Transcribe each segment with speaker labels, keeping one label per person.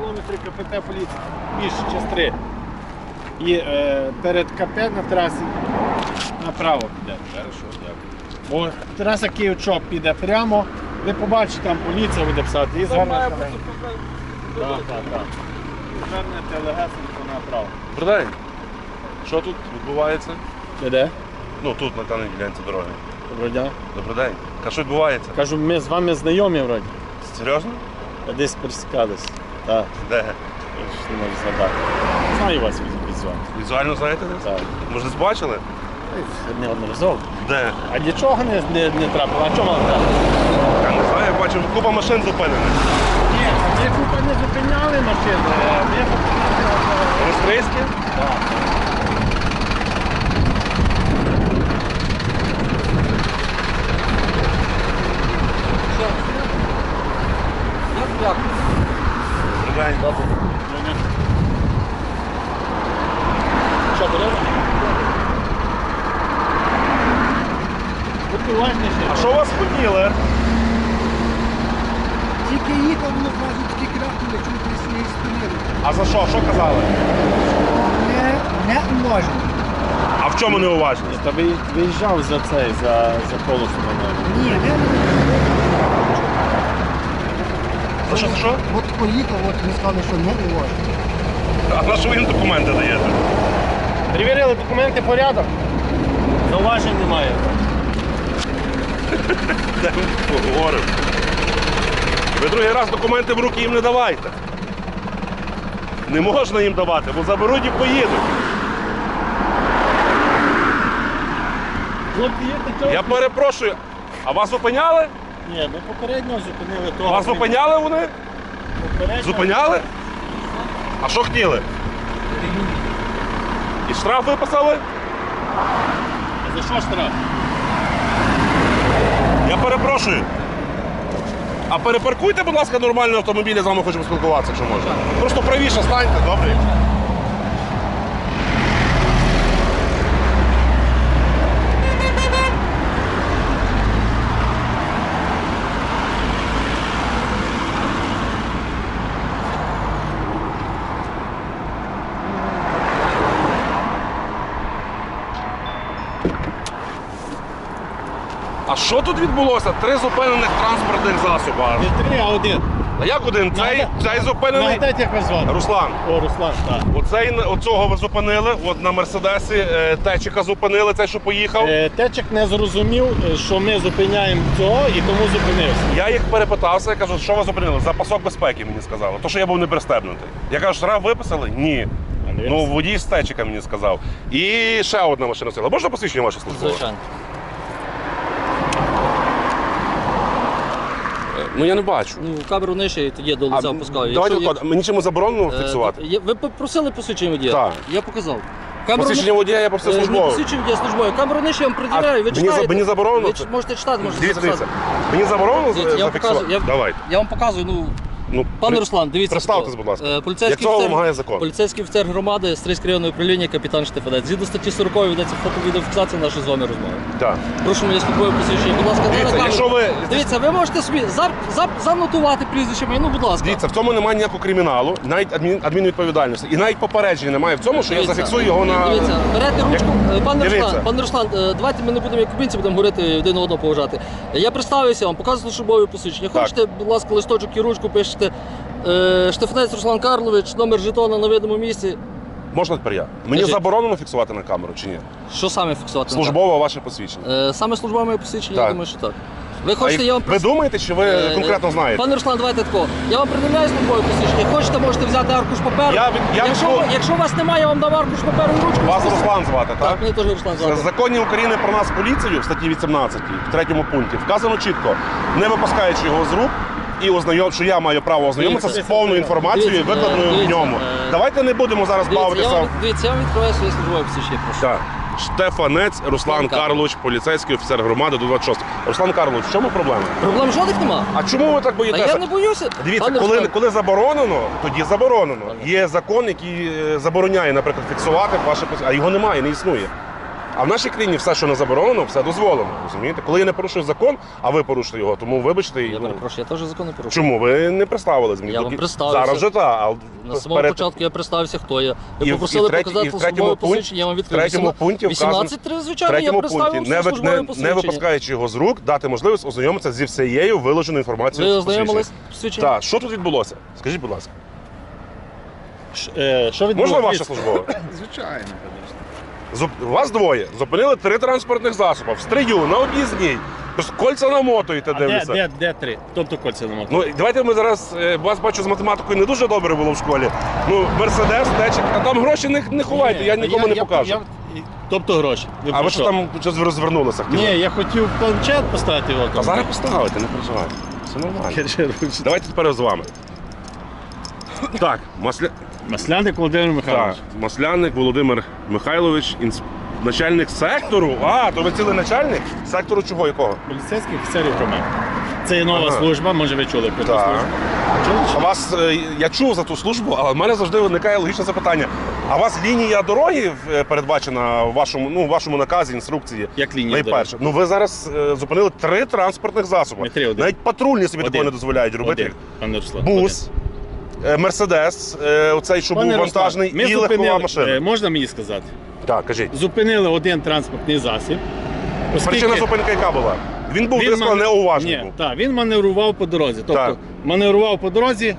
Speaker 1: кілометрів КПП поліції, більше, час 3. І перед КП на трасі направо піде. Хорошо, дякую. Бо траса Київ-Чоп піде прямо, ви побачите, там поліція буде писати і звернете. Так. Звернете легесенько направо.
Speaker 2: Добрий день. Що тут відбувається?
Speaker 1: Де?
Speaker 2: Ну тут, на даній ділянці дороги.
Speaker 1: Доброго дня.
Speaker 2: Добрий день. Що відбувається?
Speaker 1: Кажу, ми з вами знайомі вроді.
Speaker 2: Серйозно?
Speaker 1: Десь пересікались. Так,
Speaker 2: Де?
Speaker 1: я ж не можу згадати. Знаю вас візуально.
Speaker 2: Візуально знаєте десь?
Speaker 1: Так.
Speaker 2: Може десь бачили?
Speaker 1: Неодноразово.
Speaker 2: Де?
Speaker 1: А нічого не трапило? А чого вам трапило?
Speaker 2: Я не знаю, я бачив, купа машин зупинених.
Speaker 1: Ні, ми купа не зупиняли машини. Ми
Speaker 2: Австрійські?
Speaker 1: Так.
Speaker 2: Добрий день.
Speaker 1: Що, беремо? Будьте уважніше.
Speaker 2: А що вас хотіли?
Speaker 3: Тільки їхав, воно кажуть, тільки рахнули, чому ти не спинили.
Speaker 2: А за що? Що казали?
Speaker 3: Не можна.
Speaker 2: А в чому неуважність?
Speaker 1: Та виїжджав за цей, за полосу на мене.
Speaker 3: Ні, не.
Speaker 2: За що?
Speaker 3: От поїхав, от ви сказали, що не можна.
Speaker 2: А на що ви їм документи даєте?
Speaker 1: Перевірили документи, порядок. Зауважень немає.
Speaker 2: Де ми поговоримо? Ви другий раз документи в руки їм не давайте. Не можна їм давати, бо заберуть і поїдуть.
Speaker 1: Хлопці, є таке?
Speaker 2: Я перепрошую, а вас зупиняли?
Speaker 1: Ні, ми попередньо зупинили того.
Speaker 2: Вас зупиняли вони?
Speaker 1: Попередньо.
Speaker 2: Зупиняли? А що хотіли? І штраф виписали?
Speaker 1: А за що штраф?
Speaker 2: Я перепрошую. А перепаркуйте, будь ласка, нормальний автомобіль, я з вами хочу поспілкуватися, якщо можна. Просто правіше станьте, добре? А що тут відбулося? 3 зупинених транспортних засоби.
Speaker 1: Не 3, а 1.
Speaker 2: А як один? Цей зупинений?
Speaker 1: Нагадайте, як вас звати?
Speaker 2: Руслан.
Speaker 1: О, Руслан, так.
Speaker 2: Оцього ви зупинили, от на Мерседесі Течика зупинили, цей, що поїхав.
Speaker 1: Течик не зрозумів, що ми зупиняємо цього і тому зупинився.
Speaker 2: Я їх перепитався, я кажу, що ви зупинили? За пасок безпеки мені сказали. То, що я був не пристебнутий. Я кажу, штраф виписали? Ні. Ну, водій з Течика мені сказав. І ще одна машина стояла. Можна посвідчення ваше службове?
Speaker 4: Звичайно.
Speaker 2: Ну я не бачу.
Speaker 4: Ну, камеру нижче і тоді до лиця опускаю.
Speaker 2: Давайте, мені чому заборонено фіксувати?
Speaker 4: Ви попросили посвідчення водія?
Speaker 2: Так.
Speaker 4: Я показав.
Speaker 2: Посвідчення водія я попросив
Speaker 4: Не
Speaker 2: службове.
Speaker 4: посвідчення водія службове. Камеру нижче я вам приділяю, ви читаєте.
Speaker 2: Мені заборонено?
Speaker 4: Ви можете читати, можете
Speaker 2: Дивіться,
Speaker 4: записати.
Speaker 2: Мені заборонено
Speaker 4: Дивіться, я вам
Speaker 2: зафіксувати?
Speaker 4: показую,
Speaker 2: Давайте.
Speaker 4: Я вам показую,
Speaker 2: Ну,
Speaker 4: пане Руслан, дивіться.
Speaker 2: Представтесь, будь ласка.
Speaker 4: Поліцейський
Speaker 2: Як цього
Speaker 4: офіцер-
Speaker 2: вимагає закон?
Speaker 4: Поліцейський офіцер громади, Стрийське районне управління, капітан Штефанець. Згідно статті 40 ведеться фото-відеофіксація нашої з вами розмови.
Speaker 2: Так.
Speaker 4: Прошу моє службове посвідчення. Будь ласка,
Speaker 2: Дивіться,
Speaker 4: на камеру.
Speaker 2: якщо ви-
Speaker 4: Дивіться, ви можете собі занотувати прізвище моє, ну, будь ласка.
Speaker 2: Дивіться, в цьому немає ніякого криміналу, навіть адмінвідповідальності. І навіть попередження немає в цьому, що я
Speaker 4: Дивіться,
Speaker 2: зафіксую його на...
Speaker 4: Дивіться, берете ручку.
Speaker 2: Дивіться.
Speaker 4: Пане Руслан, давайте ми не будемо як кубинці, будемо говорити один одного поважати. Я представився вам, показую службове посвідчення.
Speaker 2: Так.
Speaker 4: Хочете, будь ласка, листочок і ручку пишете. Штефанець Руслан Карлович, номер жетона на видному місці.
Speaker 2: Можна тепер я? Мені
Speaker 4: Кажіть.
Speaker 2: заборонено фіксувати на камеру чи ні?
Speaker 4: Що саме фіксувати?
Speaker 2: Службове ваше посвідчення.
Speaker 4: Саме службове моє посвідчення,
Speaker 2: Так.
Speaker 4: я думаю, що так. Ви хочете, я вам
Speaker 2: Ви думаєте, чи ви конкретно знаєте?
Speaker 4: Пане Руслан, давайте тако. Я вам приділяю службове посвідчення. Хочете, можете взяти аркуш паперу. Якщо у вас немає, я вам дам аркуш паперу і ручку.
Speaker 2: Вас Руслан звати, так?
Speaker 4: Так, мене теж Руслан
Speaker 2: В
Speaker 4: звати.
Speaker 2: законі України про нас поліцію в статті 18, в 3 пункті, вказано чітко, не випускаючи його з рук, і що я маю право ознайомитися з
Speaker 4: Дивіться.
Speaker 2: повною інформацією,
Speaker 4: Дивіться,
Speaker 2: викладеною в
Speaker 4: дивіться,
Speaker 2: ньому. Давайте не будемо зараз бавитися.
Speaker 4: Дивіться, я вам відкриваю своє службове посвідчення, прошу.
Speaker 2: Так. Штефанець Руслан Карлович, поліцейський офіцер громади до 26. Руслан Карлович, в чому проблема?
Speaker 4: Проблем жодних нема.
Speaker 2: А чому ви так
Speaker 4: А
Speaker 2: боїтеся?
Speaker 4: я не боюся.
Speaker 2: Дивіться,
Speaker 4: Пане Руслан,
Speaker 2: коли заборонено, тоді заборонено. Є закон, який забороняє, наприклад, фіксувати ваше посвідчення, а його немає, не існує. А в нашій країні все, що не заборонено, все дозволено. Розумієте? Коли я не порушую закон, а ви порушите його, тому вибачте.
Speaker 4: Я перепрошую, я теж закон не порушую.
Speaker 2: Чому? Ви не представились мені.
Speaker 4: Я вам представився.
Speaker 2: Зараз вже так.
Speaker 4: На самому початку я представився, хто я. Ви
Speaker 2: І в
Speaker 4: попросили
Speaker 2: третій-
Speaker 4: показати
Speaker 2: і в третьому
Speaker 4: службове
Speaker 2: пункті-
Speaker 4: посвідчення, я вам
Speaker 2: в
Speaker 4: відкрив.
Speaker 2: третьому пункті вказано-
Speaker 4: 18.3,
Speaker 2: В
Speaker 4: звичайно, я
Speaker 2: третьому пункті,
Speaker 4: представив службове
Speaker 2: не
Speaker 4: посвідчення.
Speaker 2: випускаючи його з рук, дати можливість ознайомитися зі всією виложеною
Speaker 4: Ви
Speaker 2: інформацією.
Speaker 4: ознайомились з посвідченням?
Speaker 2: Так, що тут відбулося? Скажіть, будь ласка.
Speaker 1: Що відбулося?
Speaker 2: Можна ваше службове?
Speaker 3: Звичайно.
Speaker 2: Вас двоє. Зупинили 3 транспортних засоби. В стрию, на об'їзній. Просто кольця намотуєте,
Speaker 1: А
Speaker 2: дивлюся.
Speaker 1: де 3? Тобто кольця нема.
Speaker 2: Ну, давайте ми зараз, вас бачу з математикою не дуже добре було в школі. Ну, Мерседес, течик, а там гроші не ховайте, я нікому не покажу.
Speaker 1: Тобто гроші.
Speaker 2: А ви що там щось розвернулися? хотіли?
Speaker 1: Ні, я хотів планшет поставити його.
Speaker 2: А зараз поставите, не переживайте. Все нормально.
Speaker 1: Давайте.
Speaker 2: Давайте тепер з вами. Так,
Speaker 1: Масляник Володимир Михайлович.
Speaker 2: Так, Масляник Володимир Михайлович, начальник сектору. А, то ви цілий начальник? Сектору чого, якого?
Speaker 1: Поліцейських офіцерів громади. Це є нова
Speaker 2: Ага.
Speaker 1: служба, може ви чули про цю
Speaker 2: Так.
Speaker 1: службу. Чули чи
Speaker 2: А
Speaker 1: ні?
Speaker 2: вас, я чув за ту службу, але в мене завжди виникає логічне запитання. А у вас лінія дороги передбачена в вашому наказі, інструкції?
Speaker 1: Як лінія
Speaker 2: Найперше. Ну ви зараз зупинили 3 транспортних засоби.
Speaker 1: Не 3, один.
Speaker 2: Навіть патрульні собі
Speaker 1: Один.
Speaker 2: такого не дозволяють робити.
Speaker 1: Один, пане Руслан.
Speaker 2: Бус, Мерседес, оцей, що
Speaker 1: Пане
Speaker 2: був
Speaker 1: Руслан,
Speaker 2: вантажний,
Speaker 1: ми
Speaker 2: і легкова
Speaker 1: зупинили,
Speaker 2: машина.
Speaker 1: можна мені сказати?
Speaker 2: Так, кажіть.
Speaker 1: Зупинили один транспортний засіб.
Speaker 2: Причина зупинки яка була? Він був
Speaker 1: Він
Speaker 2: диско неуважний.
Speaker 1: Ні,
Speaker 2: був.
Speaker 1: так, він маневрував по дорозі. Тобто
Speaker 2: Так.
Speaker 1: маневрував по дорозі,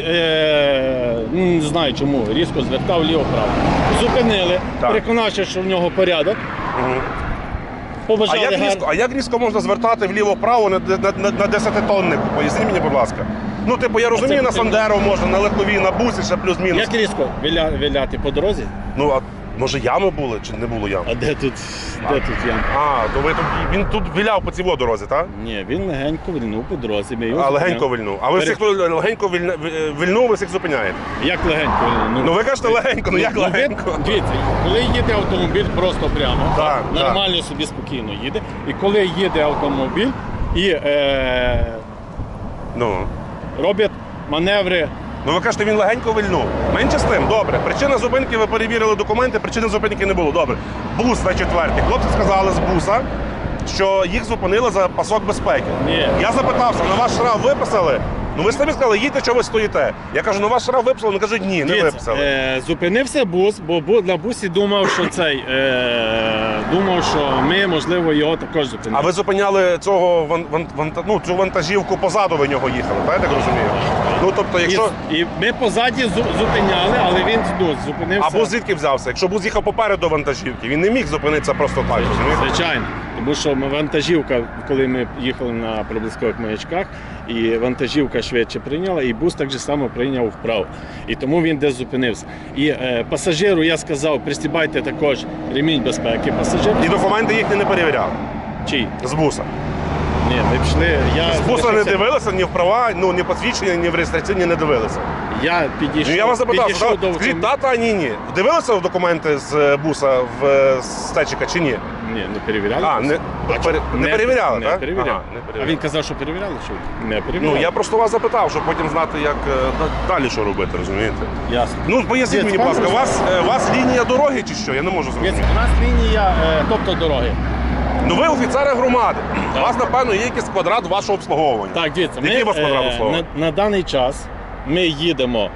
Speaker 1: не знаю чому, різко звертав ліво-право. Зупинили,
Speaker 2: Так.
Speaker 1: переконавши, що в нього порядок.
Speaker 2: Мгм.
Speaker 1: Побажали
Speaker 2: А як різко можна звертати вліво-право на 10-тоннику? Поясніть мені, будь ласка. Ну, типу, я розумію, на Сандеро можна, на легковій, на бусі, ще плюс-мінус.
Speaker 1: Як різко виляти по дорозі?
Speaker 2: Ну, а може ями були чи не було ям?
Speaker 1: А де тут ям?
Speaker 2: А, то він тут виляв по цій дорозі, так?
Speaker 1: Ні, він легенько вильнув по дорозі. Ми його
Speaker 2: А легенько
Speaker 1: зупиняли.
Speaker 2: вильнув. А ви всіх легенько вильнув, ви всіх зупиняєте.
Speaker 1: Як легенько вильнув?
Speaker 2: Ну ви кажете легенько, ну як
Speaker 1: ви-
Speaker 2: легенько?
Speaker 1: Дивіться, коли їде автомобіль просто прямо,
Speaker 2: Так,
Speaker 1: нормально собі спокійно їде. І коли їде автомобіль і
Speaker 2: Ну.
Speaker 1: роблять маневри.
Speaker 2: Ну ви кажете, він легенько вильнув. Менше з тим, добре. Причина зупинки, ви перевірили документи, причини зупинки не було. Добре. Бус на 4-й. Хлопці сказали з буса, що їх зупинили за пасок безпеки.
Speaker 1: Ні.
Speaker 2: Я запитався, на ваш штраф виписали? Ну ви самі сказали, їдьте, що ви стоїте. Я кажу, на ваш штраф виписали? Вони кажуть, ні, не
Speaker 1: Дивіться,
Speaker 2: виписали.
Speaker 1: зупинився бус, бо на бусі думав, що думав, що ми, можливо, його також зупинили.
Speaker 2: А ви зупиняли цього цю вантажівку позаду, ви нього їхали, так я так розумію? Ну тобто, якщо.
Speaker 1: І ми позаді зупиняли, але він зупинився.
Speaker 2: А бус звідки взявся? Якщо бус їхав попереду вантажівки, він не міг зупинитися просто так, розумієте?
Speaker 1: Звичайно. Тому що вантажівка, коли ми їхали на проблискових маячках, і вантажівка швидше прийняла, і бус так же само прийняв вправо. І тому він десь зупинився. І пасажиру я сказав, пристібайте також ремінь безпеки. Пасажир
Speaker 2: І документи їхні не перевіряли.
Speaker 1: чий?
Speaker 2: З буса.
Speaker 1: Ні, ми пішли.
Speaker 2: З буса не дивилися ні в права, ні посвідчення, ні в реєстраційні не дивилися.
Speaker 1: Я підійшов.
Speaker 2: Ну я вас запитав,
Speaker 1: підійшов до
Speaker 2: скажіть, та, ні. Дивилися в документи з буса в стечика чи ні?
Speaker 1: Ні, не перевіряли.
Speaker 2: А, не перевіряли,
Speaker 1: не
Speaker 2: так?
Speaker 1: перевіряли.
Speaker 2: Ага, не перевіряли.
Speaker 1: А він казав, що перевіряли, що не перевіряли.
Speaker 2: Ну я просто вас запитав, щоб потім знати, як далі що робити, розумієте?
Speaker 1: Ясно.
Speaker 2: Ну поясніть мені, будь ласка, у вас лінія дороги чи що? Я не можу зрозуміти.
Speaker 1: У нас лінія, тобто дороги.
Speaker 2: Ну ви офіцери громади. У вас, напевно, є якийсь квадрат вашого обслуговування.
Speaker 1: Так, дивіться,
Speaker 2: Який у вас квадрат
Speaker 1: на,
Speaker 2: обслуговування?
Speaker 1: на даний час ми їдемо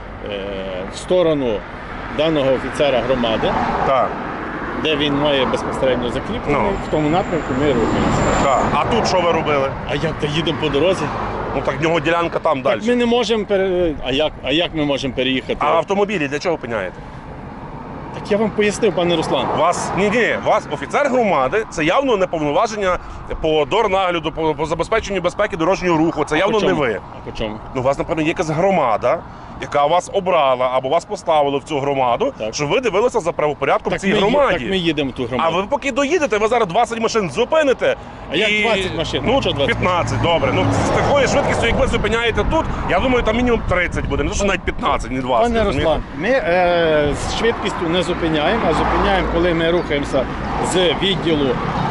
Speaker 1: в сторону даного офіцера громади,
Speaker 2: Так,
Speaker 1: де він має безпосередньо закріплення,
Speaker 2: Ну.
Speaker 1: в тому напрямку ми рухаємося.
Speaker 2: так. А тут що ви робили?
Speaker 1: А як то їдемо по дорозі?
Speaker 2: Ну так в нього ділянка там далі.
Speaker 1: Так ми не можемо А як ми можемо переїхати?
Speaker 2: А автомобілі для чого опиняєте?
Speaker 1: Так я вам пояснив, пане Руслан.
Speaker 2: Вас офіцер громади, це явно неповноваження по дорнагляду, по забезпеченню безпеки дорожнього руху. Це явно
Speaker 1: по
Speaker 2: не
Speaker 1: чому?
Speaker 2: ви.
Speaker 1: А по чому?
Speaker 2: Ну, у вас, напевно, є якась громада, яка вас обрала або вас поставила в цю громаду,
Speaker 1: Так.
Speaker 2: щоб ви дивилися за правопорядком в цій громаді.
Speaker 1: Так ми їдемо в ту
Speaker 2: А
Speaker 1: громаду.
Speaker 2: ви поки доїдете, ви зараз 20 машин зупините.
Speaker 1: А як 20 машин?
Speaker 2: Ну,
Speaker 1: Що 20?
Speaker 2: 15, добре. Ну, з такою швидкістю, як ви зупиняєте тут, я думаю, там мінімум 30 буде. Не то, що навіть 15, не 20.
Speaker 1: Пане
Speaker 2: розумієте?
Speaker 1: Руслан, ми з швидкістю не зупиняємо, а зупиняємо, коли ми рухаємося з відділу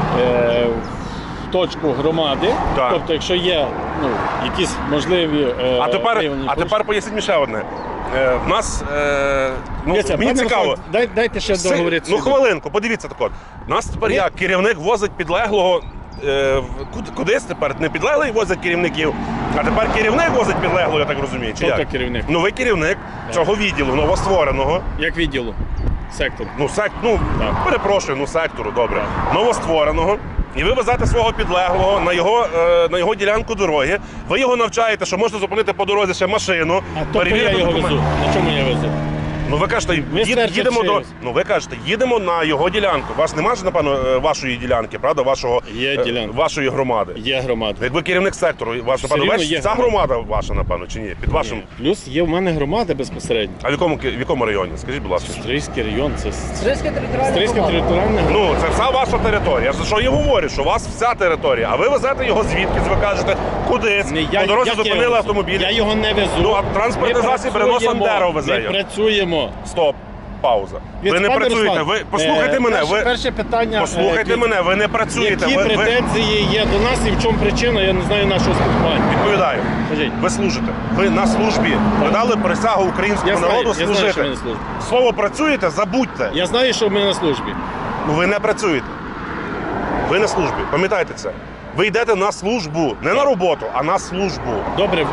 Speaker 1: в точку громади.
Speaker 2: Так.
Speaker 1: Тобто, якщо є якісь можливі
Speaker 2: А
Speaker 1: виявлені
Speaker 2: тепер поясніть мені ще одне. в нас,
Speaker 1: Дивіться,
Speaker 2: мені
Speaker 1: пане
Speaker 2: цікаво.
Speaker 1: Руслан, дайте ще договорити.
Speaker 2: Ну, хвилинку, подивіться так от. Нас тепер
Speaker 1: Ні.
Speaker 2: як? Керівник возить підлеглого кудись тепер? Не підлеглий возить керівників, а тепер керівник возить підлеглого, я так розумію, чи
Speaker 1: Тобто
Speaker 2: як?
Speaker 1: керівник.
Speaker 2: Ну, ви керівник цього відділу, новоствореного.
Speaker 1: Як відділу? Сектор.
Speaker 2: Так. Перепрошую, сектору, добре. Новоствореного. І ви везете свого підлеглого на його ділянку дороги. Ви його навчаєте, що можна зупинити по дорозі ще машину.
Speaker 1: А тобто я
Speaker 2: перевірити
Speaker 1: його
Speaker 2: документи.
Speaker 1: везу. На чому я везу?
Speaker 2: Ну ви кажете,
Speaker 1: Містер
Speaker 2: їдемо до.
Speaker 1: Черчилль.
Speaker 2: Ну ви кажете, їдемо на його ділянку. У вас немає ж, напевно, вашої ділянки, правда?
Speaker 1: Є ділянка.
Speaker 2: Вашої громади.
Speaker 1: Є громада.
Speaker 2: Як ви керівник сектору, ваш,
Speaker 1: Все
Speaker 2: напевно,
Speaker 1: рівно є
Speaker 2: ця
Speaker 1: громада.
Speaker 2: громада ваша, напевно, чи ні? Під вашим.
Speaker 1: Плюс є в мене громада безпосередньо.
Speaker 2: А в якому районі? Скажіть, будь ласка.
Speaker 1: Стрийський район, це
Speaker 4: Стрийська територіальна
Speaker 1: Стрийська
Speaker 4: громада.
Speaker 1: територіальна громада.
Speaker 2: Ну, це вся ваша територія. Я за що і говорю, що у вас вся територія, а ви везете його звідки, ви кажете, кудись, по дорозі
Speaker 1: як я
Speaker 2: зупинили
Speaker 1: його
Speaker 2: автомобіль.
Speaker 1: Я його не везу.
Speaker 2: Ну, а транспортний
Speaker 1: Ми
Speaker 2: засіб Рено
Speaker 1: працюємо,
Speaker 2: Сандеро везе
Speaker 1: Ми
Speaker 2: його.
Speaker 1: працюємо.
Speaker 2: Стоп, пауза. Ви
Speaker 1: Від
Speaker 2: не
Speaker 1: пане
Speaker 2: працюєте,
Speaker 1: Руслан,
Speaker 2: ви послухайте мене,
Speaker 1: перше питання.
Speaker 2: послухайте мене, ви не працюєте.
Speaker 1: Які
Speaker 2: Ви
Speaker 1: претензії є до нас і в чому причина, я не знаю нашого спілкування.
Speaker 2: відповідаю.
Speaker 1: Кажіть.
Speaker 2: Ви служите. Ви на службі. Ви дали присягу українському
Speaker 1: Я знаю,
Speaker 2: народу
Speaker 1: я знаю, що
Speaker 2: служити.
Speaker 1: ви на службі.
Speaker 2: Слово працюєте, забудьте.
Speaker 1: Я знаю, що ми на службі.
Speaker 2: Ну ви не працюєте. Ви на службі. Пам'ятайте це. Ви йдете на службу. Не на роботу, а на службу.
Speaker 1: Добре,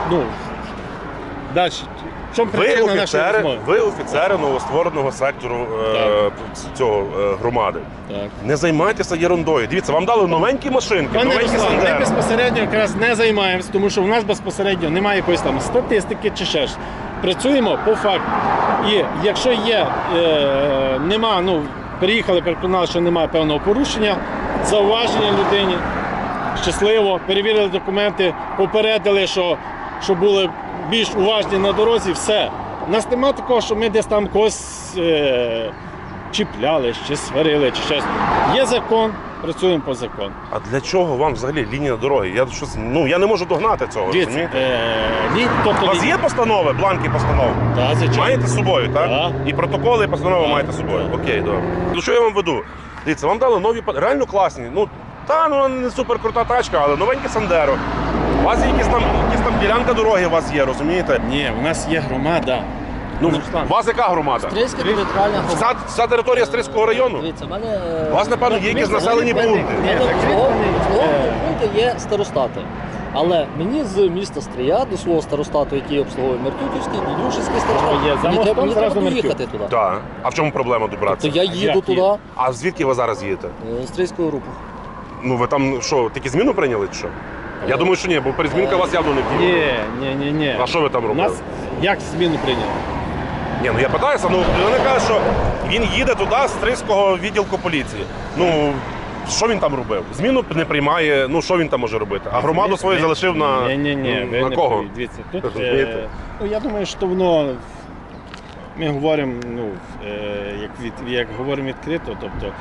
Speaker 1: далі. В чому причина нашої розмови?
Speaker 2: Ви офіцери новоствореного сектору громади.
Speaker 1: Так.
Speaker 2: Не займайтеся ерундою. Дивіться, вам дали новенькі машинки,
Speaker 1: Пане
Speaker 2: новенькі
Speaker 1: Руслан, ми
Speaker 2: Сандеро.
Speaker 1: безпосередньо якраз не займаємось, тому що в нас безпосередньо немає якоїсь там статистики чи ще ж. Працюємо по факту. І якщо є, нема, приїхали, переконали, що немає певного порушення, зауваження людині, щасливо, перевірили документи, попередили, що були більш уважні на дорозі, все. У нас немає такого, що ми десь там когось чіпляли, чи сварили, чи щось. Є закон, працюємо по закону.
Speaker 2: А для чого вам взагалі лінія дороги? Я не можу догнати цього.
Speaker 1: Дивіться,
Speaker 2: розумієте? У вас є постанови, бланки постанов?
Speaker 1: Так, звичайно.
Speaker 2: Маєте з собою, так?
Speaker 1: Так.
Speaker 2: І протоколи, і постанови
Speaker 1: Так.
Speaker 2: маєте з собою. Окей, добре. Ну що я вам веду? Дивіться, вам дали нові, реально класні. Не супер крута тачка, але новеньке Сандеро. У вас є якісь там ділянка дороги у вас є, розумієте?
Speaker 1: Ні, у нас є громада. Руслан.
Speaker 2: У вас яка громада?
Speaker 4: Стрийська територіальна громада.
Speaker 2: Вся територія Стрийського району?
Speaker 4: Дивіться, в мене...
Speaker 2: У вас, напевно, є якісь населені пункти.
Speaker 4: В мене обслуговувані пункти є старостати. Але мені з міста Стрия до свого старостату, який обслуговує Меркютівський, Дідюшинський старостат,
Speaker 1: Є, за
Speaker 4: мені
Speaker 1: мостом
Speaker 4: треба
Speaker 1: зразу
Speaker 4: доїхати
Speaker 1: Меркют.
Speaker 4: туди.
Speaker 2: Так. А в чому проблема добратися?
Speaker 4: То я їду
Speaker 1: Як
Speaker 4: туди,
Speaker 2: А звідки ви зараз їдете?
Speaker 4: з Стрийського руху.
Speaker 2: Ну ви там що, тільки зміну прийняли чи що? Я думаю, що ні, бо перезмінка вас явно не втілила.
Speaker 1: Ні.
Speaker 2: А що ви там
Speaker 1: У
Speaker 2: робили?
Speaker 1: нас як зміну прийняли?
Speaker 2: Ні, я питаюся, вони кажуть, що він їде туди з Стрийського відділку поліції. Що він там робив? Зміну не приймає, що він там може робити? А громаду свою залишив на,
Speaker 1: Ні, ви
Speaker 2: на
Speaker 1: не
Speaker 2: кого?
Speaker 1: праві. Дивіться, тут,
Speaker 2: Розумієте?
Speaker 1: я думаю, що воно, ми говоримо, як говоримо відкрито, тобто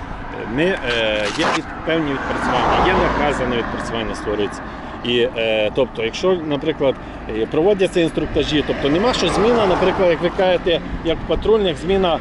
Speaker 1: є певні відпрацювання, є накази на відпрацювання створюється. І, тобто, якщо, наприклад, проводяться інструктажі, тобто нема що зміна, наприклад, як ви кажете, як в патрульних, зміна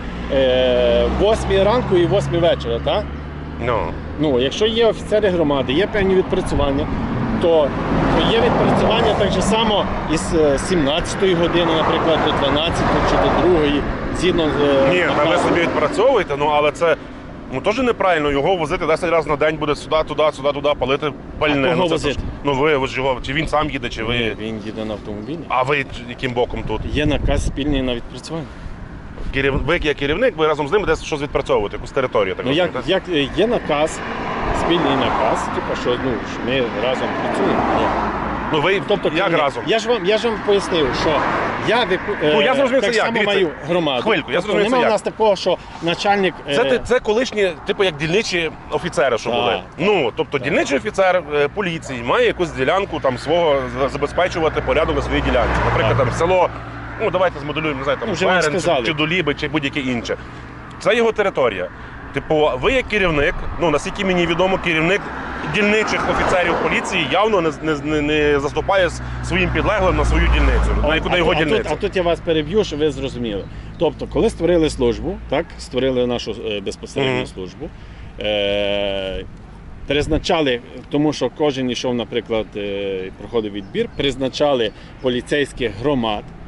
Speaker 1: 8 ранку і 8 вечора, так? Якщо є офіцери громади, є певні відпрацювання, то є відпрацювання так же само із 17-ї години, наприклад, до 12-ї чи до 2-ї, згідно з
Speaker 2: Ні, ви
Speaker 1: наказом.
Speaker 2: собі відпрацьовуєте, але це теж неправильно його возити 10 разів на день буде сюди, туди, палити пальне.
Speaker 1: А кого
Speaker 2: це
Speaker 1: возити?
Speaker 2: ви ж його, чи він сам їде, чи ви.
Speaker 1: Ні, він їде на автомобілі.
Speaker 2: А ви яким боком тут?
Speaker 1: Є наказ спільний на відпрацювання.
Speaker 2: Ви як керівник, ви разом з ним десь щось відпрацьовуєте, якусь територію. Так
Speaker 1: Як
Speaker 2: розумієте?
Speaker 1: є наказ, спільний наказ, що ми разом працюємо.
Speaker 2: Ви як
Speaker 1: керівник.
Speaker 2: разом?
Speaker 1: Я ж вам пояснив, що я
Speaker 2: я зрозумів,
Speaker 1: так
Speaker 2: це як.
Speaker 1: само
Speaker 2: Дивіться,
Speaker 1: маю громаду.
Speaker 2: хвильку, я зрозумів, це
Speaker 1: Немає у
Speaker 2: як.
Speaker 1: нас такого, що начальник...
Speaker 2: Це колишні, як дільничі офіцери, що
Speaker 1: Так.
Speaker 2: були. Тобто дільничий офіцер поліції має якусь ділянку там свого забезпечувати порядок на своїй ділянці. Наприклад, там село, давайте змоделюємо, не знаю, там
Speaker 1: Вже вам
Speaker 2: Берен,
Speaker 1: сказали.
Speaker 2: чи Доліби, чи будь-яке інше. Це його територія. Ви як керівник, наскільки мені відомо, керівник дільничих офіцерів поліції явно не заступає своїм підлеглим на свою дільницю, на його дільницю.
Speaker 1: А тут я вас переб'ю, щоб ви зрозуміли. Тобто, коли створили службу, створили нашу безпосередню службу, призначали, тому що кожен йшов, наприклад, проходив відбір, призначали поліцейських громад,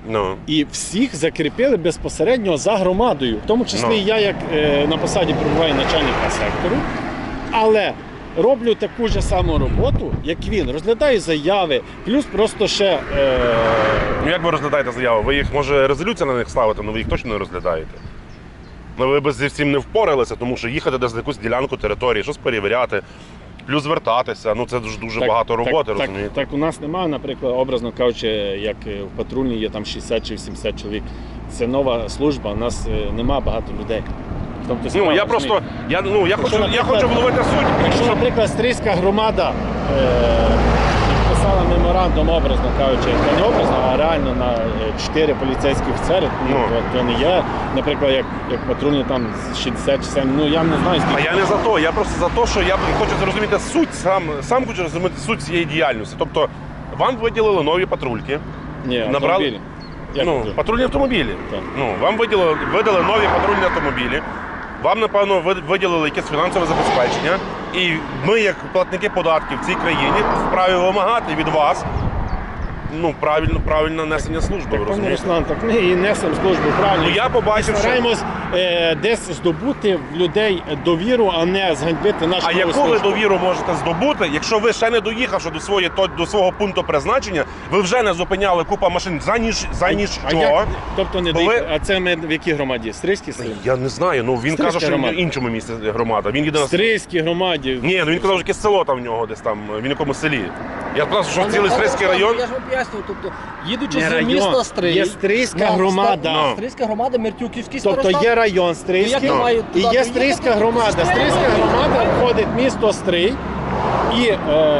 Speaker 2: Ну.
Speaker 1: І всіх закріпили безпосередньо за громадою. В тому числі я, як на посаді перебуваю начальника сектору, але роблю таку ж саму роботу, як він. Розглядаю заяви, плюс просто ще...
Speaker 2: Ну як ви розглядаєте заяву? Ви їх, може, резолюція на них ставите, але ви їх точно не розглядаєте. Ну ви б зі всім не впоралися, тому що їхати десь на якусь ділянку території, щось перевіряти, плюс звертатися. Ну це дуже багато роботи, розумієте?
Speaker 1: Так у нас немає, наприклад, образно кажучи, як в патрульній є там 60 чи 80 чоловік. Це нова служба, у нас немає багато людей. Тобто,
Speaker 2: Ну я просто, я хочу вловити суть.
Speaker 1: Якщо, наприклад, Стрийська громада підписала меморандум, образно кажучи, не образно, а реально на 4 поліцейські офіцери, то не є, наприклад, як патрульні там 60 чи 70, ну я не знаю,
Speaker 2: А я не за то, я просто за те, що я хочу зрозуміти суть, сам хочу зрозуміти суть цієї діяльності. Тобто вам виділили нові патрульки.
Speaker 1: Ні,
Speaker 2: набрали-
Speaker 1: автомобілі. Як
Speaker 2: Ну,
Speaker 1: це?
Speaker 2: патрульні автомобілі.
Speaker 1: Так.
Speaker 2: Ну, вам видали нові патрульні автомобілі. Вам, напевно, виділили якесь фінансове забезпечення. І ми, як платники податків в цій країні, вправі вимагати від вас правильне несення служби, ви
Speaker 1: Пане
Speaker 2: розумієте?
Speaker 1: Руслан, так ми і несемо службу правильно.
Speaker 2: Ну, я побачив,
Speaker 1: Ми
Speaker 2: що-
Speaker 1: стараємось десь здобути в людей довіру, а не зганьбити нашу
Speaker 2: А
Speaker 1: нову
Speaker 2: яку ви
Speaker 1: службу.
Speaker 2: довіру можете здобути, якщо ви ще не доїхавши до свого пункту призначення, ви вже не зупиняли купа машин за ніщо?
Speaker 1: Тобто не
Speaker 2: Бо ви-
Speaker 1: доїхали. А це ми в якій громаді? Стрийській селі?
Speaker 2: Я не знаю, ну він
Speaker 1: Стрийська
Speaker 2: каже, що він
Speaker 1: громада.
Speaker 2: в іншому місці громада. Він їде на
Speaker 1: Стрийській громаді.
Speaker 2: Ні, ну він казав, що якесь село там в нього десь там, в якомусь селі. Я сказав, що цілий Стрийський район.
Speaker 4: Я ж вам пояснюю, тобто, їдучи
Speaker 1: Не
Speaker 4: з
Speaker 1: район,
Speaker 4: міста Стрий...
Speaker 1: є Стрийська
Speaker 4: на
Speaker 1: громада.
Speaker 2: Ну.
Speaker 4: Стрийська громада, Мертюківський
Speaker 1: Тобто
Speaker 4: старостат.
Speaker 1: є район
Speaker 4: Ну,
Speaker 1: Стрийський
Speaker 4: як я маю
Speaker 1: і
Speaker 4: туди
Speaker 1: є
Speaker 4: доїхати?
Speaker 1: Стрийська громада. Стрийська громада входить в місто Стрий і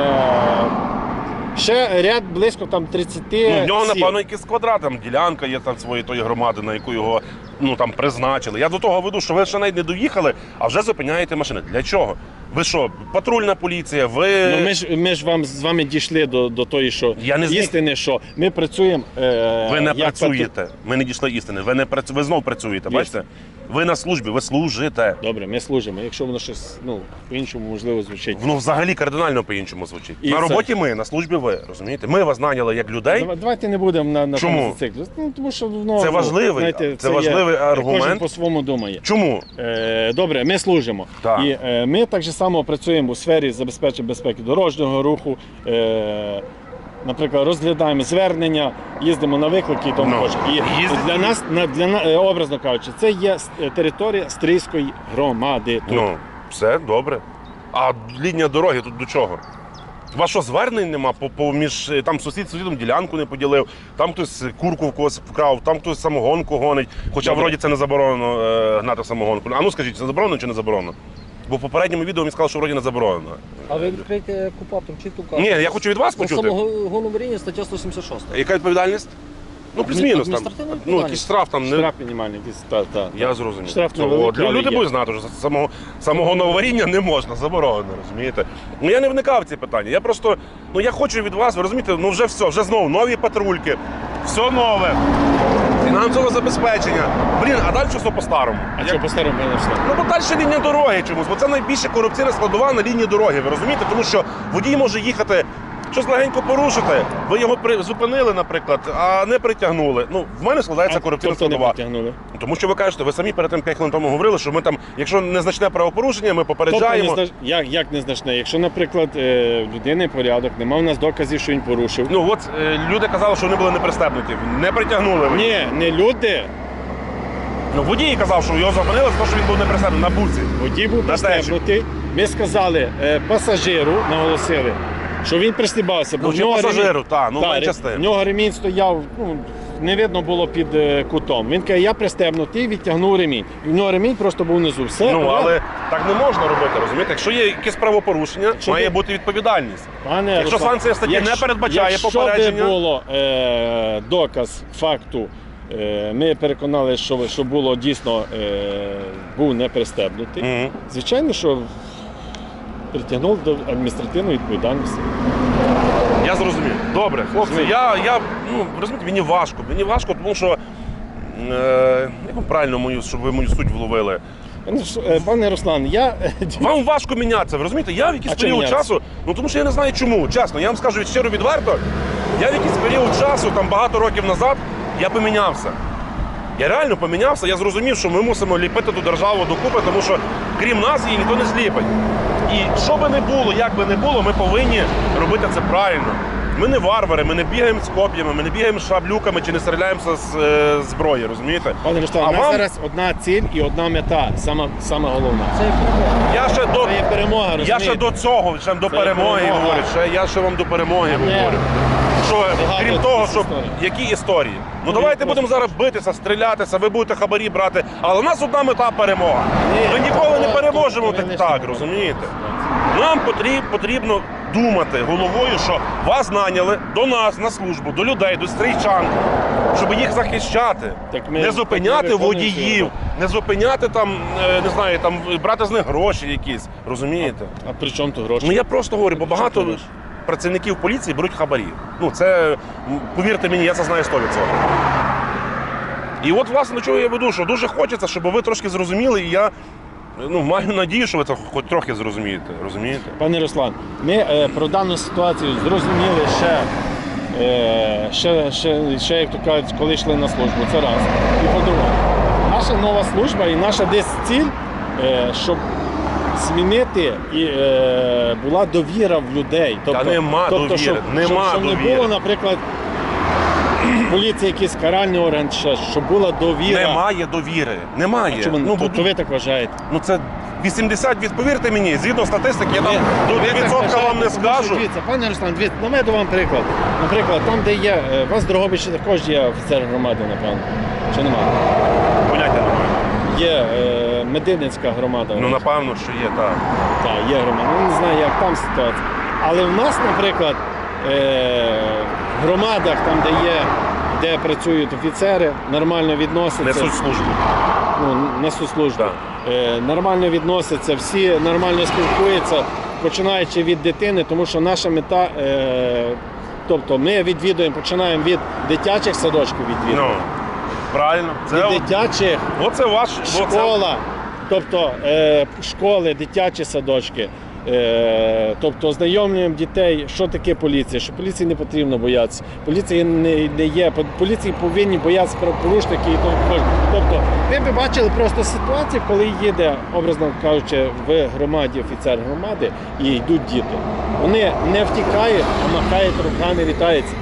Speaker 1: ще ряд близько там 30
Speaker 2: Ну, в нього,
Speaker 1: сіл.
Speaker 2: напевно, якийсь квадрат, там ділянка є там своєї тої громади, на яку його там призначили. Я до того веду, що ви ще навіть не доїхали, а вже зупиняєте машини. Для чого? Ви що, патрульна поліція, ви.
Speaker 1: Ну, ми ж з вами дійшли до тої, що
Speaker 2: Я не зник.
Speaker 1: істини, що ми працюємо.
Speaker 2: Ви не
Speaker 1: як
Speaker 2: працюєте. Ми не дійшли істини. Ви знов працюєте,
Speaker 1: Є.
Speaker 2: бачите? Ви на службі, ви служите.
Speaker 1: Добре, ми служимо. Якщо воно щось по-іншому можливо звучить.
Speaker 2: Воно взагалі кардинально по-іншому звучить.
Speaker 1: І
Speaker 2: на
Speaker 1: це-
Speaker 2: роботі ми, на службі ви, розумієте? Ми вас наняли як людей.
Speaker 1: Давайте не будемо на
Speaker 2: Чому?
Speaker 1: тому зациклюватися. Тому що
Speaker 2: Це важливий, це важливий аргумент.
Speaker 1: Кожен по-своєму думає.
Speaker 2: Чому?
Speaker 1: Добре, ми служимо.
Speaker 2: Так.
Speaker 1: І ми так же само працюємо у сфері забезпечення безпеки дорожнього руху. Наприклад, розглядаємо звернення, їздимо на виклики і тому
Speaker 2: Ну,
Speaker 1: інше. І
Speaker 2: їздите
Speaker 1: для нас, образно кажучи, це є територія Стрийської громади. Тут.
Speaker 2: Ну, все добре. А лінія дороги тут до чого? У вас що, звернень нема? Між там сусід сусідом ділянку не поділив, там хтось курку в когось вкрав, там хтось самогонку гонить. Хоча
Speaker 1: Добре.
Speaker 2: вроді це не заборонено гнати самогонку. А ну скажіть, це заборонено чи не заборонено? Бо в попередньому відео він сказав, що вроді не заборонено.
Speaker 4: А ви відкрийте КУПАП, там чітко
Speaker 2: Ні,
Speaker 4: кажуть.
Speaker 2: я хочу від вас
Speaker 4: По
Speaker 2: почути.
Speaker 4: самогоноваріння стаття 176.
Speaker 2: Яка відповідальність? Ну, плюс-мінус там.
Speaker 4: Адміністративна
Speaker 2: Ну,
Speaker 4: відповідальність.
Speaker 2: якийсь штраф там не.
Speaker 1: Штраф мінімальний. якийсь, та.
Speaker 2: Я зрозумів.
Speaker 1: Штраф
Speaker 2: Це,
Speaker 1: невеликий, але
Speaker 2: люди
Speaker 1: є.
Speaker 2: будуть знати, що самого варіння не можна, заборонено, розумієте? Ну я не вникав в ці питання. Я просто, я хочу від вас, ви розумієте, вже все, вже знову нові патрульки, все нове, фінансове забезпечення. Блін, а далі все по-старому.
Speaker 1: А що по-старому не все?
Speaker 2: Ну, бо далі лінія дороги чомусь, бо це найбільша корупційна складова на лінії дороги, ви розумієте? Тому що водій може їхати, щось легенько порушити, ви його зупинили, наприклад, а не притягнули. Ну, в мене складається корупційна
Speaker 1: Тобто не
Speaker 2: складова.
Speaker 1: притягнули.
Speaker 2: Тому що ви кажете, ви самі перед тим 5 хвилин тому говорили, що ми там, якщо незначне правопорушення, ми попереджаємо.
Speaker 1: Тобто як незначне? Якщо, наприклад, в людини порядок, нема в нас доказів, що він порушив.
Speaker 2: Ну от люди казали, що вони були непристебнуті, не притягнули. ви.
Speaker 1: Ні, не люди.
Speaker 2: Ну водій казав, що його зупинили, тому що він був непристебнений на буці.
Speaker 1: Водій був
Speaker 2: На
Speaker 1: пристебнутий. Ми сказали пасажиру, наголосили, що він пристібався, бо
Speaker 2: Ну,
Speaker 1: в
Speaker 2: чи
Speaker 1: нього
Speaker 2: пасажиру, менше з
Speaker 1: в
Speaker 2: тим.
Speaker 1: нього ремінь стояв, не видно було під кутом. Він каже, я пристебнутий, відтягнув ремінь. І в нього ремінь просто був внизу. Все,
Speaker 2: Ну, але так не можна робити, розумієте? Якщо є якесь правопорушення,
Speaker 1: Що
Speaker 2: має
Speaker 1: ти-
Speaker 2: бути відповідальність.
Speaker 1: Пане
Speaker 2: Якщо
Speaker 1: Руслан,
Speaker 2: санкція статті не передбачає попередження-
Speaker 1: Якщо би було доказ факту, ми переконали, що було дійсно був не пристебнутий,
Speaker 2: Мгм.
Speaker 1: звичайно, що притягнув до адміністративної відповідальності.
Speaker 2: Я зрозумів. Добре, хлопці, розумієте, мені важко, тому що, як вам правильно щоб ви мою суть вловили?
Speaker 1: Пане Руслан, я
Speaker 2: Вам важко мінятися, ви розумієте? Я в якийсь
Speaker 1: А чому
Speaker 2: період
Speaker 1: мінятися?
Speaker 2: часу, тому що я не знаю чому, чесно, я вам скажу щиро відверто, я в якийсь період часу, там багато років назад, Я помінявся. Я реально помінявся, я зрозумів, що ми мусимо ліпити ту державу докупи, тому що крім нас її ніхто не зліпить. І що би не було, як би не було, ми повинні робити це правильно. Ми не варвари, ми не бігаємо з коп'ями, ми не бігаємо з шаблюками чи не стріляємося з зброї, розумієте?
Speaker 1: Пане Руслан, у нас зараз одна ціль і одна мета, саме головна.
Speaker 4: Це є перемога.
Speaker 1: Це є перемога,
Speaker 2: Я
Speaker 1: розумієте?
Speaker 2: ще до цього, ще до перемоги
Speaker 1: перемога.
Speaker 2: говорю. Я ще вам до перемоги говорю. Що,
Speaker 1: Багато
Speaker 2: крім того,
Speaker 1: якісь
Speaker 2: що
Speaker 1: історії.
Speaker 2: які історії? Ну давайте будемо зараз битися, стрілятися, ви будете хабарі брати, але у нас одна мета перемога. Ми ніколи не переможемо так, розумієте? Нам потрібно думати головою, що вас наняли до нас на службу, до людей, до стрійчан, щоб їх захищати,
Speaker 1: Так ми-
Speaker 2: не зупиняти
Speaker 1: так ми виконуємо
Speaker 2: водіїв,
Speaker 1: свою
Speaker 2: не зупиняти там, не знаю, там брати з них гроші якісь, розумієте?
Speaker 1: А при чому тут гроші?
Speaker 2: Ну я просто говорю, бо багато
Speaker 1: Чому гроші?
Speaker 2: працівників поліції беруть хабарі. Ну це, повірте мені, я це знаю 100%. І от, власне, до чого я веду, що дуже хочеться, щоб ви трошки зрозуміли, і я маю надію, що ви це хоч трохи зрозумієте. Розумієте?
Speaker 1: Пане Руслан, ми про дану ситуацію зрозуміли ще, як то кажуть, коли йшли на службу. Це раз. І по-друге, наша нова служба і наша десь ціль, щоб змінити і була довіра в людей.
Speaker 2: нема довіри,
Speaker 1: щоб не
Speaker 2: довіри.
Speaker 1: було, наприклад, поліції якийсь каральний орган, щоб була довіра.
Speaker 2: Немає довіри. Немає.
Speaker 1: Чому? То ви так вважаєте?
Speaker 2: Ну це 80%, повірте мені, згідно статистики, я там до 2% вам не скажу.
Speaker 1: Дивіться, пане Руслан, наведу вам приклад. Наприклад, там, де є, у вас в Дрогобичі також є офіцер громади, напевно. Чи немає?
Speaker 2: Поняття немає.
Speaker 1: Є Мединницька громада.
Speaker 2: Ну, напевно, що є, так.
Speaker 1: Так, є громада. Ну, не знаю, як там ситуація. Але в нас, наприклад, в громадах, там, де працюють офіцери, нормально відносяться.
Speaker 2: Несуть службу.
Speaker 1: Несуть службу.
Speaker 2: Так.
Speaker 1: Нормально відносяться, всі нормально спілкуються, починаючи від дитини, тому що наша мета, тобто ми відвідуємо, починаємо від дитячих садочків відвідувати.
Speaker 2: Ну, правильно.
Speaker 1: Від дитячих,
Speaker 2: Оце ваш
Speaker 1: школа, тобто школи, дитячі садочки. Тобто ознайомлюємо дітей, що таке поліція, що поліції не потрібно боятися. Поліції не є, поліції повинні боятися правопорушників і тому подібне. Тобто ви б бачили просто ситуацію, коли їде, образно кажучи, в громаді офіцер громади і йдуть діти. Вони не втікають, а махають руками, вітаються.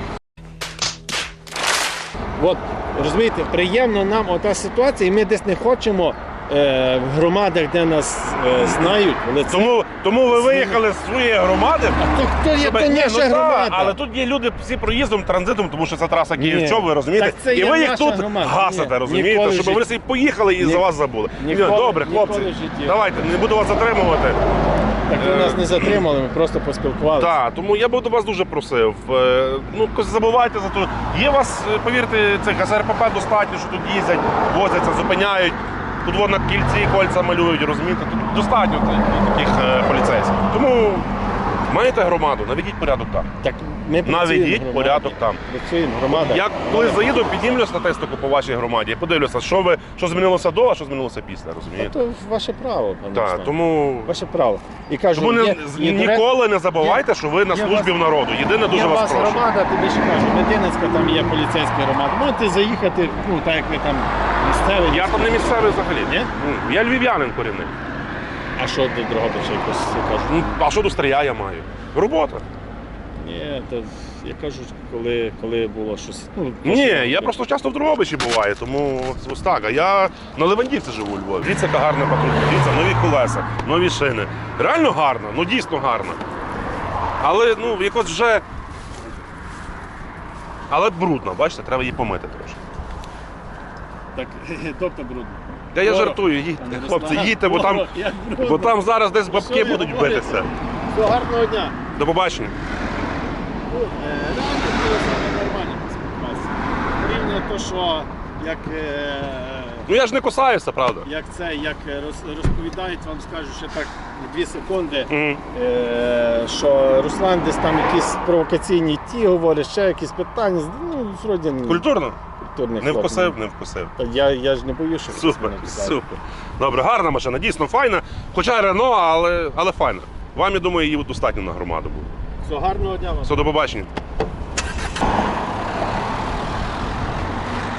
Speaker 1: От, розумієте, приємно нам ота ситуація, і ми десь не хочемо в громадах, де нас знають.
Speaker 2: Тому ви виїхали з своєї громади.
Speaker 1: А то є
Speaker 2: Щоб-
Speaker 1: то
Speaker 2: Ні,
Speaker 1: наша
Speaker 2: ну,
Speaker 1: громада.
Speaker 2: але тут є люди всі проїздом, транзитом, тому що це траса
Speaker 1: Ні.
Speaker 2: Київ-Чоп, ви розумієте?
Speaker 1: Так це
Speaker 2: І
Speaker 1: є
Speaker 2: ви їх
Speaker 1: наша
Speaker 2: тут
Speaker 1: громада.
Speaker 2: гасите,
Speaker 1: Ні,
Speaker 2: розумієте?
Speaker 1: ніколи в
Speaker 2: Щоб ви
Speaker 1: житті.
Speaker 2: всі поїхали і за вас забули.
Speaker 1: Ніколи-
Speaker 2: Добре, хлопці,
Speaker 1: ніколи в житті.
Speaker 2: давайте, не буду вас затримувати.
Speaker 1: Так ви нас не затримали, ми просто поспілкувалися.
Speaker 2: Так, тому я би до вас дуже просив. Ну, забувайте за то. Є у вас, повірте, цих СРПП достатньо, що тут їздять, возяться, зупиняють. Тут вон на кільці кольця малюють, розумієте? Тут достатньо таких поліцейських. Тому маєте громаду, наведіть порядок там.
Speaker 1: Так ми працюємо в
Speaker 2: Наведіть
Speaker 1: громаді.
Speaker 2: порядок там.
Speaker 1: Працюємо в громадах.
Speaker 2: Я коли заїду, піднімлю статистику по вашій громаді, подивлюся, що змінилося до, а що змінилося після, розумієте?
Speaker 1: То ваше право, пане
Speaker 2: Так,
Speaker 1: Руслан.
Speaker 2: тому
Speaker 1: Ваше право. І кажу,
Speaker 2: тому
Speaker 1: є
Speaker 2: ніколи не забувайте, що ви на
Speaker 1: є
Speaker 2: службі
Speaker 1: вас-
Speaker 2: в народу. Єдине, дуже
Speaker 1: Є у
Speaker 2: вас
Speaker 1: вас
Speaker 2: прошу.
Speaker 1: громада, тобі ще кажу, Мединницька, там є поліцейська громада. Можете заїхати, ну так як ви там місцеві.
Speaker 2: Я там не місцевий взагалі.
Speaker 1: Ні?
Speaker 2: Я львів'янин корінний.
Speaker 1: А що до Дрогобича якось кажуть?
Speaker 2: Ну, а що до Стрия я маю? Робота.
Speaker 1: Ні, то я кажу, коли було щось. Ну,
Speaker 2: Ні, я просто часто в Дрогобичі буваю, тому ось так. А я на Левандівці живу у Львові. Дивіться, яка гарна патрулька, дивіться, нові колеса, нові шини. Реально гарна, ну дійсно гарна. Але ну якось вже. Але брудна, бачите, треба її помити трошки.
Speaker 1: Так, тобто брудно.
Speaker 2: Та я
Speaker 1: Ворог.
Speaker 2: жартую, їдьте,
Speaker 1: Пане
Speaker 2: хлопці,
Speaker 1: Руслан,
Speaker 2: їдьте, бо там,
Speaker 1: ворог, як брудно.
Speaker 2: бо там зараз десь бабки
Speaker 1: Що ви
Speaker 2: будуть
Speaker 1: говорите?
Speaker 2: битися.
Speaker 1: Всього гарного дня.
Speaker 2: До побачення.
Speaker 1: Ну, реально було саме нормально поспілкуватися. Порівняно то, що як,
Speaker 2: Ну я ж не кусаюся, правда.
Speaker 1: як розповідають, вам скажу ще так 2 секунди,
Speaker 2: Мгм.
Speaker 1: що Руслан десь там якісь провокаційні говорить, ще якісь питання. Ну, вроді
Speaker 2: Культурно?
Speaker 1: культурний
Speaker 2: Не
Speaker 1: хлоп.
Speaker 2: вкусив, не вкусив.
Speaker 1: Та я ж не боюсь, що
Speaker 2: Супер,
Speaker 1: мене кусають.
Speaker 2: супер. Добре, гарна машина, дійсно файна. Хоча Рено, але файна. Вам, я думаю, її достатньо на громаду буде.
Speaker 1: Всього гарного дня вам.
Speaker 2: Все, до побачення.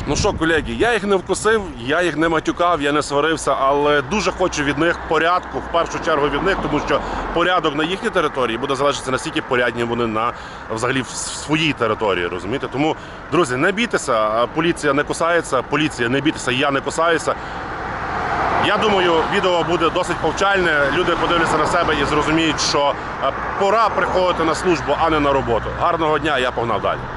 Speaker 2: Ну що, колеги, я їх не вкусив, я їх не матюкав, я не сварився, але дуже хочу від них порядку, в першу чергу від них, тому що порядок на їхній території буде залежати, наскільки порядні вони на взагалі в своїй території, розумієте? Тому, друзі, не бійтеся, поліція не кусається, поліція не бійтеся, я не кусаюся. Я думаю, відео буде досить повчальне, люди подивляться на себе і зрозуміють, що пора приходити на службу, а не на роботу. Гарного дня, я погнав далі.